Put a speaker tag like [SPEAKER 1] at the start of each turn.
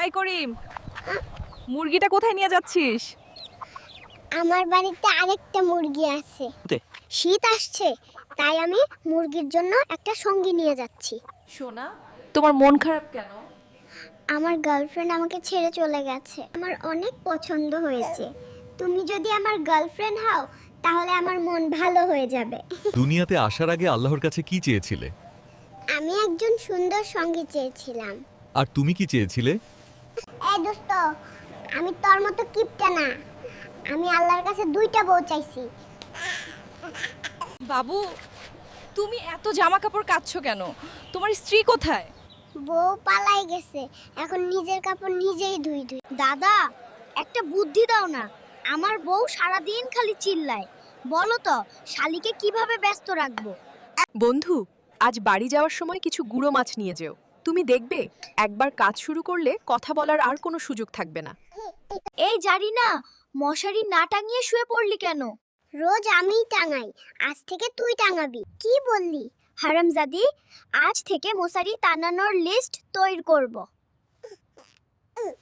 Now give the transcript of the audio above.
[SPEAKER 1] এই করিম, মুরগিটা কোথায় নিয়ে যাচ্ছিস?
[SPEAKER 2] আমার বাড়িতে আরেকটা মুরগি আছে। শীত আসছে, তাই আমি মুরগির জন্য একটা সঙ্গী নিয়ে যাচ্ছি।
[SPEAKER 1] সোনা, তোমার মন খারাপ কেন?
[SPEAKER 2] আমার গার্লফ্রেন্ড আমাকে ছেড়ে চলে গেছে। আমার অনেক পছন্দ হয়েছে। তুমি যদি আমার গার্লফ্রেন্ড হও তাহলে আমার মন ভালো হয়ে যাবে।
[SPEAKER 3] দুনিয়াতে আসার আগে আল্লাহর কাছে কি চেয়েছিলে?
[SPEAKER 2] আমি একজন সুন্দর সঙ্গী চেয়েছিলাম।
[SPEAKER 3] আর তুমি কি চেয়েছিলে?
[SPEAKER 2] এই দোস্ত, আমি তোর মতো কিপটা না। আমি আল্লাহর কাছে দুইটা বউ চাইছি।
[SPEAKER 1] বাবু, তুমি এত জামা কাপড় কাচ্ছ কেন? তোমার স্ত্রী কোথায়?
[SPEAKER 2] বউ পালাই গেছে, এখন নিজের কাপড় নিজেই ধুই। দাদা, একটা বুদ্ধি দাও না। আমার বউ সারাদিন খালি চিল্লায়। বলো তো, শালিকে কিভাবে ব্যস্ত রাখবো?
[SPEAKER 4] বন্ধু, আজ বাড়ি যাওয়ার সময় কিছু গুঁড়ো মাছ নিয়ে যেও। তুমি দেখবে একবার কাজ শুরু করলে কথা বলার আর কোনো সুযোগ থাকবে না।
[SPEAKER 2] এই জানি না, মশারি না টাঙিয়ে শুয়ে পড়লি কেন? রোজ আমিই টাঙাই, আজ থেকে তুই টাঙাবি। কি বললি হারামজাদি? আজ থেকে মশারি টানানোর লিস্ট তৈরি করব।